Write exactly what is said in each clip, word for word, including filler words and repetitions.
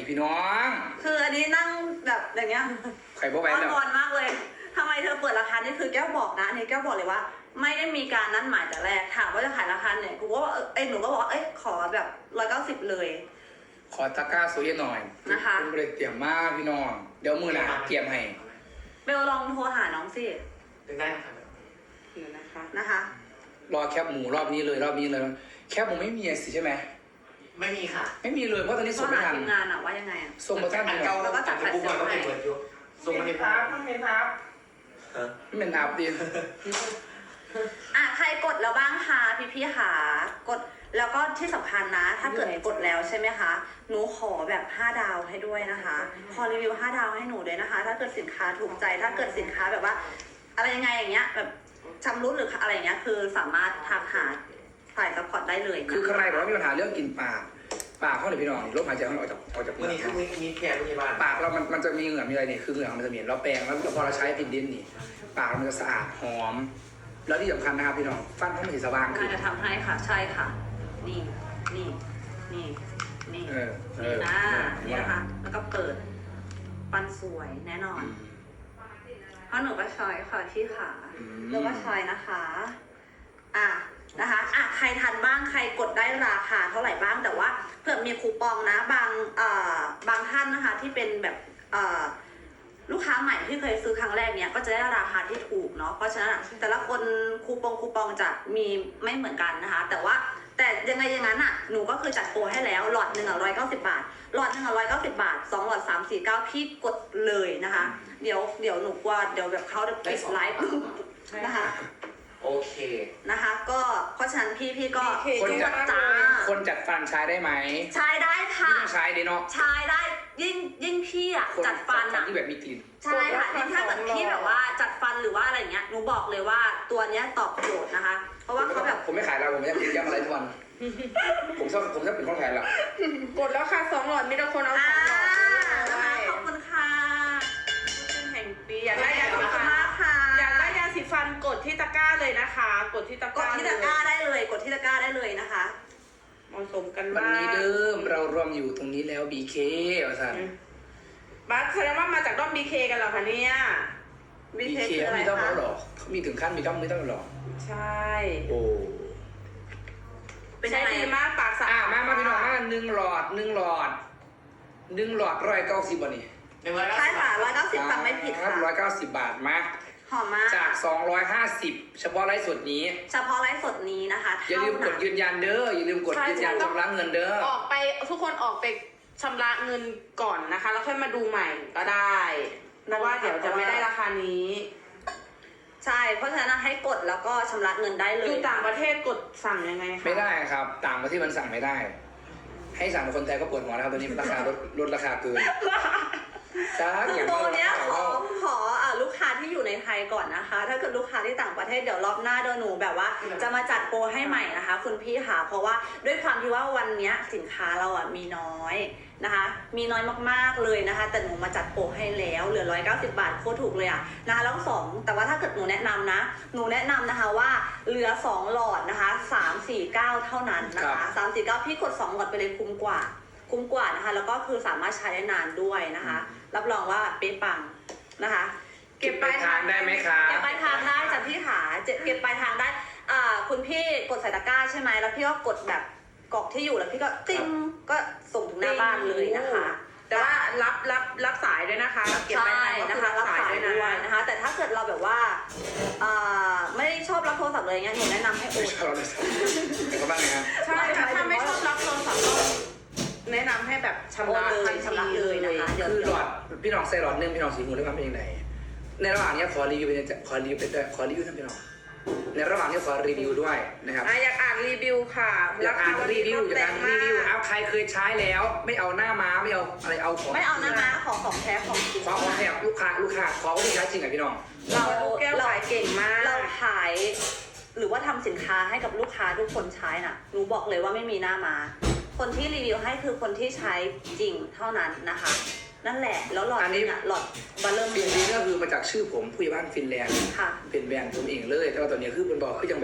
พี่น้องคืออันนี้นั่งแบบอย่างเงี้ยไข่บ่ไหวอ้อนแล้ววอนมากเลยทำไมเธอเปิดราคานี่คือแก้วบอกนะอันนี้แก้วบอกเลยว่า ไม่ได้มีการนัดหมายแต่แรกถามว่าจะขายราคาเนี่ยกูก็ว่าเอ้ยหนูก็บอกว่าเอ้ยขอแบบร้อยเก้าสิบเลยขอตะกร้าโซเยหน่อยนะคะคุณบริเตรียมมากพี่น้องเดี๋ยวมือหนาเตรียมให้เบลลองโทรหาน้องสิถึงได้นะครับเดี๋ยวนะคะนะคะรอแคบหมูรอบนี้เลยรอบนี้เลยแคบหมูไม่มีสิใช่ไหมไม่มีค่ะไม่มีเลยเพราะตอนนี้โทรส่งไม่หาทันทีมงานอะว่ายังไงอะส่งมาท่านอันพี่น้เก่าองแล้วก็จัดบุ๊กมันก็เป็นเปิดอยู่ส่งมาในคภารับพต้องเป็นครับไม่เป็นอาบดีอ่ะใครกดแล้วบ้างคะพี่พี่ๆหากดแล้วก็ที่สำคัญนะ ถ้าเกิดกดแล้วใช่ไหมคะหนูขอแบบห้าดาวให้ด้วยนะคะขอรีวิวห้าดาวให้หนูด้วยนะคะ ถ้าเกิดสินค้าถูกใจถ้าเกิดสินค้าแบบว่า อะไรยังไงอย่างเงี้ยแบบชำรุดหรืออะไรอย่างเงี้ยคือสามารถทักหาฝ่ายซัพพอร์ตได้เลยนะคือใครบอกว่ามีปัญหาเรื่องกินปากปากเขาเนี่ยพี่น้องลมหายใจเขาออกจากออกจากวันนี้ปาทั้กงมีมีแพรพยาบาลปากเรามันมันจะมีเหงื่อมีอะไรเนี่ยคือเหงื่อมันจะเหม็นเราแปรงแล้วพอเราใช้ติดดินนี่ปากเรามันจะสะอาดหอม แล้วที่สำคัญนะครับพี่น้องฟันเขาไม่สีสว่างขึ้น่าน จะทำให้ค่ะใช่ค่ะ นี่นี่นี่นี่เออเอนี่อนะเออนี่นะคะแล้วก็เปิดปันสวยแน่นอน เพราะหนูก็ชอยค่ะที่ขาอืมแล้วก็ชอยนะคะ อ่ะนะคะอ่ะใครทันบ้างใครกดได้ราคาเท่าไหร่บ้างแต่ว่าเผื่อมีคูปองนะบางเอ่อบางท่านนะคะที่เป็นแบบเอ่อลูกค้าใหม่ที่เคยซื้อครั้งแรกเนี้ยก็จะได้ราคาที่ถูกเนาะเพราะฉะนั้นอะแต่ละคนคูปองคูปองจะมีไม่เหมือนกันนะคะ แต่ว่าแต่ยังไงอย่างนั้นอ่ะหนูก็คือจัดโปรให้แล้วหลอดหนึ่งอ่ะร้อยเก้าสิบบาทหลอดหนึ่งอ่ะร้อยเก้าสิบบาทสองหลอดสามสี่เก้าพี่กดเลยนะคะ เดี๋ยวเดี๋ยวหนูกลัวเดี๋ยวแบบเขาจะปิดไลฟ์นะคะโอเคนะคะ ก็เพราะฉะนั้นพี่พี่ก็คนจัดจ้าคนจัดฟันใช้ได้ไหมใช้ได้ค่ะยิ่งใช้ดีเนาะใช้ได้ยิ่งยิ่งพี่อ่ะคนจัดฟันจัดอ่ะที่แบบมีกลิ่นใช่ค่ะยิ่งถ้าเกิดพี่แบบว่าจัดฟันหรือว่าอะไรเงี้ยหนูบอกเลยว่าตัวเนี้ยตอบโจทย์นะคะ เพราะว่าเขาแบบผมไม่ขายเราผมไม่จะกินแก้มอะไรทุกวันผมชอบผมชอบเป็นคนขายเรากดแล้วค่ะสองหลอดมีแต่คนเอาสอ่าองหลอดนะคะเลยขอบคุณค่ะเป็นแห่งปีอยากได้ยาขอบสีคุณฟันมากค่ะอยากได้ยาสีฟันกดที่ตะกร้าเลยนะคะ กดที่ตะกกดร้าที่ตะกร้าได้เลยกดที่ตะกร้าได้เลยนะคะเหมาะสมกันวันมากนี้เดิมเรารวมอยู่ตรงนี้แล้ว บี เค ว่าสันบัสแสดงว่ามาจากด้อมบีเคกันเหรอคะเนี่ยบีบีเคเคคืออะไรมีต้องคะแล้วหรอเขามีถึงขั้นมีต้องไม่ต้องหรอใช่โอ้เป็นใช้ยังไงดีมากปากสะอ่ะอาดมามาพี่น้องมาหนึ่งหลอดหนึ่งหลอดหนึ่งหลอดร้อยเก้าสิบวันนี้หนึ่งร้อยเก้าใช่สิบค่ะบาทร้อยเก้าสิบฟังไม่ผิดค่ะร้อยเก้าสิบบาทมาหอมมากจากสองร้อยห้าสิบเฉพาะไลฟ์สดนี้เฉพาะไลฟ์สดนี้นะคะอย่าลืมกดยืนยันเด้ออย่าลืมกดยืนยันชำระเงินเด้อออกไปทุกคนออกไปชำระเงินก่อนนะคะ แล้วค่อยมาดูใหม่ก็ได้เพราะว่าเดี๋ยวจะไม่ได้ราคานี้ใช่ เพราะฉะนั้นให้กดแล้วก็ชำระเงินได้เลอย ยู่ต่างประเทศกดสั่งยังไงคะไม่ได้ครับ ต่างประเทศมันสั่งไม่ได้ ให้สั่งคนไทยก็ปวดหัวแล้วครับตอนนี้ราคาลดลดราคาเกินจ้าคืออย่างโปรว่าเนี้ยขอขออ่ะลูกค้าที่อยู่ในไทยก่อนนะคะ ถ้าเกิดลูกค้าที่ต่างประเทศเดี๋ยวรอบหน้าเดี๋ยวหนูแบบว่า จะมาจัดโปรให้ใหม่นะคะ คุณพี่ค่ะเพราะว่าด้วยความที่ว่าวันเนี้ยสินค้าเราอ่ะมีน้อยนะคะ มีน้อยมากๆเลยนะคะ แต่หนูมาจัดโปรให้แล้วเหลือร้อยเก้าสิบบาทโคตรถูกเลยอ่ะนะคะแล้วสองแต่ว่าถ้าเกิดหนูแนะนำนะ หนูแนะนำนะคะว่าเหลือสองหลอดนะคะสามสี่เก้าเท่านั้นนะคะสามสี่เก้าพี่กดสองหลอดไปเลยคุ้มกว่า คุ้มกว่านะคะแล้วก็คือสามารถใช้ได้นานด้วยนะคะ รับรองว่าเป๊ะปังนะคะเก็บปลายทางได้ไหมคะเก็บปลายทางได้จากพี่ขาเก็บเก็บปลายทางได้อ่าคุณพี่กดใส่ตะกร้าใช่ไหมแล้วพี่ก็กดแบบกรอกที่อยู่แล้วพี่ก็ติ้งก็ส่งถึงหน้าบ้านเลยนะคะแต่ว่ารับรับรับสายด้วยนะคะ เก็บไปใช่ทางก็นะคือคะรับสายด้วยนะนะคะ แต่ถ้าเกิดเราแบบว่าอ่าไม่ได้ชอบรับโทรศัพท์เลยเงี้ยหนูแนะนำให้โอไม่นชอบเลยเป็นเขาบ้างไงฮะใช่ค่ะถ้าไม่ชอบรับโทรศัพท์ก็แนะนำให้แบบชำระโอนเลยทันชำระเลยนะคะเดี๋ยวคือหลอดพี่น้องใส่หลอดหนึงพี่น้องสีหูได้ความเป็นยังไงในระหว่างนี้ขอรีวิวเป็นขอรีวิวเป็นขอรีวิวท่านพี่น้องในระหว่างนี้ขอรีวิวด้วยนะครับอ่ะอยากอ่านรีวิวค่ะอยากอ่านรีวิวอยากแรอ่าง นมารีวิวกเอาใครเคยใช้แล้ว ไม่เอาหน้าม้าไม่เอาอะไรเอาของไม่เอาหน้าม้าขอของแท้ของจริงขอของแถบลูกค้าลูกค้าขอว่าที่ใช้จริงอ่ะพี่น้องเราแก้วเราขายเก่งมากเราขายหรือว่าทำสินค้าให้กับลูกค้าทุกคนใช้น่ะหนูบอกเลยว่าไม่มีหน้ามาคนที่รีวิวให้คือคนที่ใช้จริงเท่านั้นนะคะ นั่นแหละแล้วหลอดนี้หลอดบัลเลอร์ฟินนี้ก็คือมาจากชื่อผมผู้ใหญ่บ้านฟินแลนด์ค่ะเป็นแบรนด์ผมเองเลยแต่ว่าตอนนี้คือเป็นบอกคือยังแบบ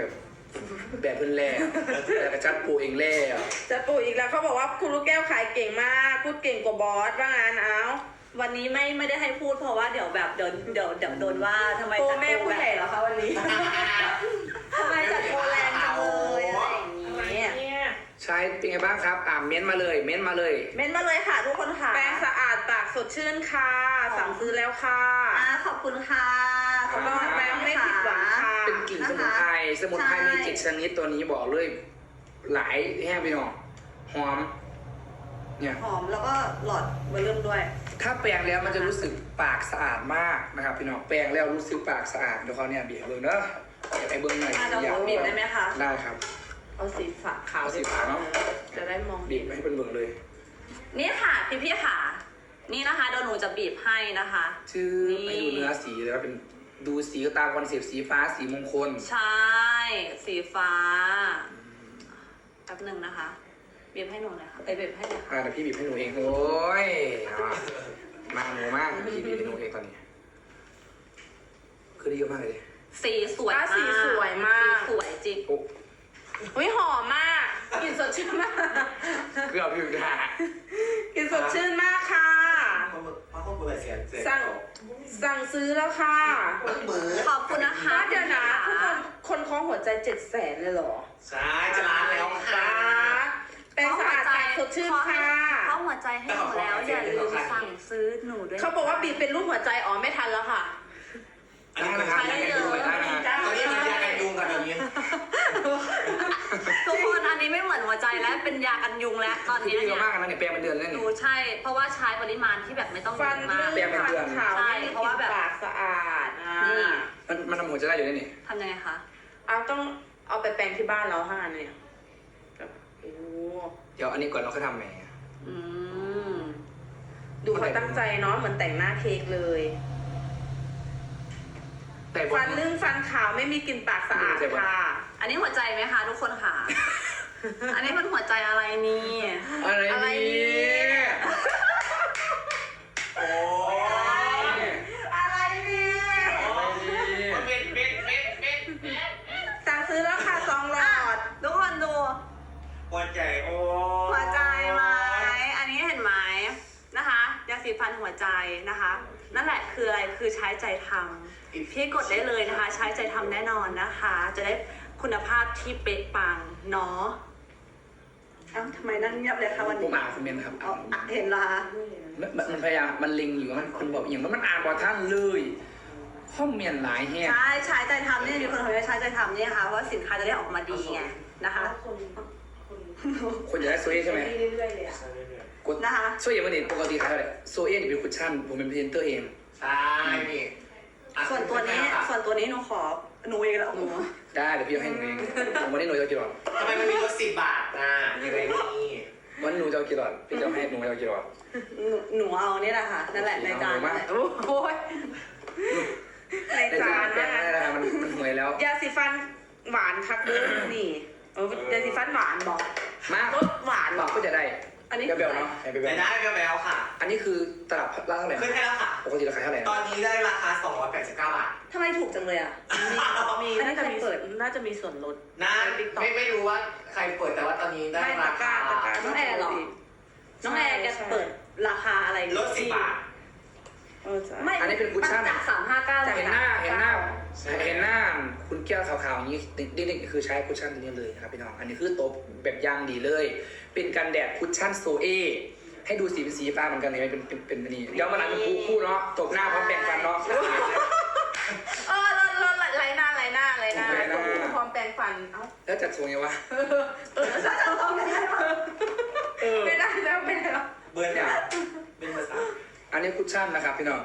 แบบเพิ่นแล้วแล้วก็จัดปูเองแล้วจะปู่อีกแล้วเขาบอกว่าคุณลูกแก้วขายเก่งมากพูดเก่งกว่าบอสว่างั้นเอาวันนี้ไม่ไม่ได้ให้พูดเพราะว่าเดี๋ยวแบบเดี๋ยวเดี๋ยวเดี๋ยวโดนว่าทำไมโปจัดแม่ผู้ใหญ่เหรอคะวันนี้ทำไมจัดโปรแรงจังเลยอะไรอย่างนี้เนี่ยใช้เป็นไงบ้างครับอ่าเม้นมาเลยเม้นมาเลยเม้นมาเลยค่ะทุกคนค่ะแปรงสะอาดปากสดชื่นค่ะสั่งซื้อแล้วค่ะอ่าขอบคุณค่ะขอบคุณแปรงไม่ผิดหวังค่ะเป็นกลิ่นสมุนไพรสมุนไพรมีเจ็ดชนิดตัวนี้บอกเลย หลายแห้งไปหน่อยหอมเนี่ยหอมแล้วก็หลอดเบอร์เริ่มด้วยถ้าแปรงแล้วมันจะรู้สึกปากสะอาดมากนะครับพี่น้องแปรงแล้วรู้สึกปากสะอาดเดี๋ยวเขาเนี่ยบีบเบิ้งเนอะไอ้เบิ้งหน่อยอ่าเราอยากบีบได้ไหมคะได้ครับเอาสีฝาขาวเอาสีขาวเนอะจะได้มองบีบให้เป็นเบิ้งเลยนี่ค่ะพี่พี่ๆค่ะ นี่นะคะเดี๋ยวหนูจะบีบให้นะคะชื่อนี่ให้ดูเนื้อสีเลยว่าเป็นดูสีก็ตามคอนเซปต์สีฟ้าสีมงคลใช่ สีฟ้าแป๊บหนึ่งนะคะบีบให้หนูหน่อยค่ะไปบีบให้หน่อยค่ะอ่าแต่พี่บีบให้หนูเองโอ้ยเอามาหนูมากพี่บีบให้หนูเองตอนนี้ คือได้เยอะมากเลยสีสวยอ่ะมากสีสวยมากสีสวยจริงโอ้อุ้ยหอมมากกลิ่นสดชื่นมากเกือบอยู่นะกลิ่นสดชื่นมากค่ะเพราะเพราะคนเปิดเสียงเสียงสั่งสั่งซื้อแล้วค่ะมือขอบคุณนะคะเดี๋ยวนะทุกคนคนคล้องหัวใจเจ็ดแสนเลยเหรอใช่จะล้านแล้วค่ะแปรงสะอาดปากสดชื่นค่ะเข้าหัวใจให้หนูแล้วอย่าลืมสั่งซื้อหนูด้วยเขาบอกว่าบีบเป็นรูปหัวใจอ๋อไม่ทันแล้วค่ะอันนี้นะครับได้เลยได้เลยตอนนี้มียากันยุงกับอย่างนี้ทุกคนอันนี้ไม่เหมือนหัวใจแล้วเป็นยากันยุงแล้วตอนคือนี้ได้เยเนี่อะยมากนะเนี่ยแปรงเป็นเดือนแล้วหนี่นูใช่ เพราะว่าใช้ปริมาณที่แบบไม่ต้องเยฟันอะมากลื่นแปรงเป็นฟัเดือนนขาวใช่ไม่เพราะว่าแบบปากสะอาดอ่านี่มันมันทำหัวจะได้อยู่นี่นี่ทำยังไงคะเอาต้องเอาไปแปรงที่บ้านเราห้าอันเนี่ยแบบโอ้เดี๋ยวอันนี้ก่อนเราค่อยทำแหมอืมดูเขาตั้งใจเนาะเหมือนแต่งหน้าเค้กเลยแต่บฟันนลื่นฟันขาวไม่มีกลิ่นปากสะอาดค่ะอันนี้หัวใจไหมคะทุกคนค่ะ อันนี้มันหัวใจอะไรนี่อะไรอะไรนี่เนี่ยโอ้ยอะไรเนี่ยเม็ดเม็ดเม็ดเม็ดสั่งซื้อแล้วค่ะสองหลอดทุกคนดูหัวใจโอ้หัวใจไหมอันนี้เห็นไหมนะคะยาสีฟันหัวใจนะคะ นั่นแหละคืออะไรคือใช้ใจทำพี่กดได้เลยนะคะ ใช้ใจทำแน่นอนนะคะ จะได้คุณภาพที่เป๊ะปังเนาะเอ้าทำไมนั่งเงียบเลยคะวันผมนี้อ่านคอมเมนต์ครับเอาอ่ะเห็นละคะมันมันมันพยายามมันลิงอยู่มันคนบอกอย่างว่ามันอ่านบอท่านเลยข้อมเมนต์หลายแห้งใช่ใช้ใจทำนี่มีคนเขาจะใช้ใจทำนี่นะคะเพราะว่าสินค้าจะได้ออกมาดีไงนะคะคนอยากได้โซเอใช่ไหมเรื่อยๆเลยอะกดนะคะโซเอมันนี่ปกติขายเท่าไหร่โซเอนี่เป็นคุชชั่นผมเป็นพรีเซนเตอร์เองใช่พี่อ่ะส่วนตัวนี้ส่วนตัวนี้หนูขอหนูเองแล้วหนูได้เดี๋ยวพี่เอาให้หนูเองผมวันนี้หนูจะเอากี่หลอดทำไมมันมีลดสิบบาทอ่ะยังไงนี่วันนี้หนูจะเอากี่หลอดพี่จะเอาให้หนูจะเอากี่หลอดหนูหนูเอานี่แหละค่ะนั่นแหละในจานนั่นแหละโอ้ยในในจาจานนแปลนะงได้แล้วมันมันห่วยแล้วยาสีฟันหวานคักเด้อนี่เออยาสีฟันหวานบอกมารสหวานบอกก็จะได้อันนี้เบลๆเนาะให้เบลแต่ได้แววๆค่ะๆอันนี้คือตลับละเท่าไหร่ขึ้นให้แล้วค่ะปกติราคาเท่าไหร่ตอนนี้ได้ราคาสองร้อยแปดสิบเก้าบาททำไมถูกจังเลยอ่ะมีอันนี้น่าจะมีใครเปิดน่าจะมีส่วนลดน่าไม่ไม่รู้ว่าใครเปิดแต่ว่าตอนนี้ได้ไม่ราตะกร้าคาตะกร้าน้องแอร์เหรอ น้องแอร์แกเปิดราคาอะไรลดสิบบาทเออใช่ไม่อันนี้เป็นคุชชั่นจากสามห้าเก้าเห็นหน้าเห็นหน้าเห็นหน้าคุณแก้วขาวๆอย่างนี้นี่คือใช้คุชชั่นตัวนี้เลยนะครับพี่น้องอันนี้คือโต๊ะแบบยางดีเลย เป็นกันแดดคุชชั่นโซเอให้ดูสีเป็นสีฟ้าเหมือนกันเลยเป็นเป็นเป็นอันนี้เดี๋ยวมาหลังเป็นคู่คู่เนาะตบหน้าพร้อมแบ่งฟันเนาะเออลดลดไหลหน้าไหลหน้าไหลหน้าไหลหน้าพร้อมแปรงฟันเอ้าแล้วจัดทรงไงวะเออจะทำไม่ได้หรอเออไม่ได้แล้วไม่ได้แล้วเบอร์สามเป็นเบอร์สามอันนี้คุชชั่นนะครับพี่น้อง